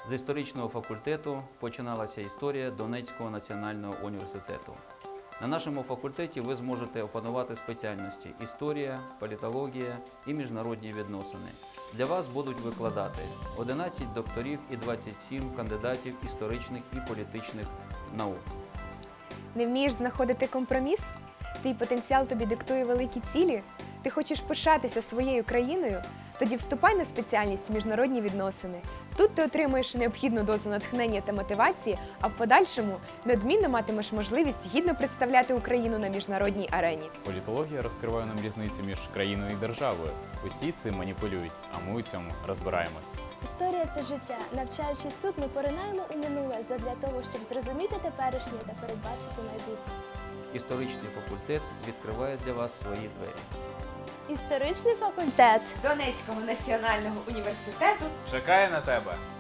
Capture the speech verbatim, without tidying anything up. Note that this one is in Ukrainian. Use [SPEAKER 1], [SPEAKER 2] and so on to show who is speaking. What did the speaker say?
[SPEAKER 1] З історичного факультету починалася історія Донецького національного університету. На нашому факультеті ви зможете опанувати спеціальності історія, політологія і міжнародні відносини. Для вас будуть викладати одинадцять докторів і двадцять сім кандидатів історичних і політичних наук.
[SPEAKER 2] Не вмієш знаходити компроміс? Твій потенціал тобі диктує великі цілі? Ти хочеш пишатися своєю країною? Тоді вступай на спеціальність міжнародні відносини. Тут ти отримуєш необхідну дозу натхнення та мотивації, а в подальшому неодмінно матимеш можливість гідно представляти Україну на міжнародній арені.
[SPEAKER 3] Політологія розкриває нам різницю між країною і державою. Усі цим маніпулюють, а ми у цьому розбираємось.
[SPEAKER 4] Історія – це життя. Навчаючись тут, ми поринаємо у минуле задля того, щоб зрозуміти теперішнє та передбачити майбутнє.
[SPEAKER 1] Історичний факультет відкриває для вас свої двері.
[SPEAKER 4] Історичний факультет
[SPEAKER 2] Донецького національного університету
[SPEAKER 3] Чекає на тебе!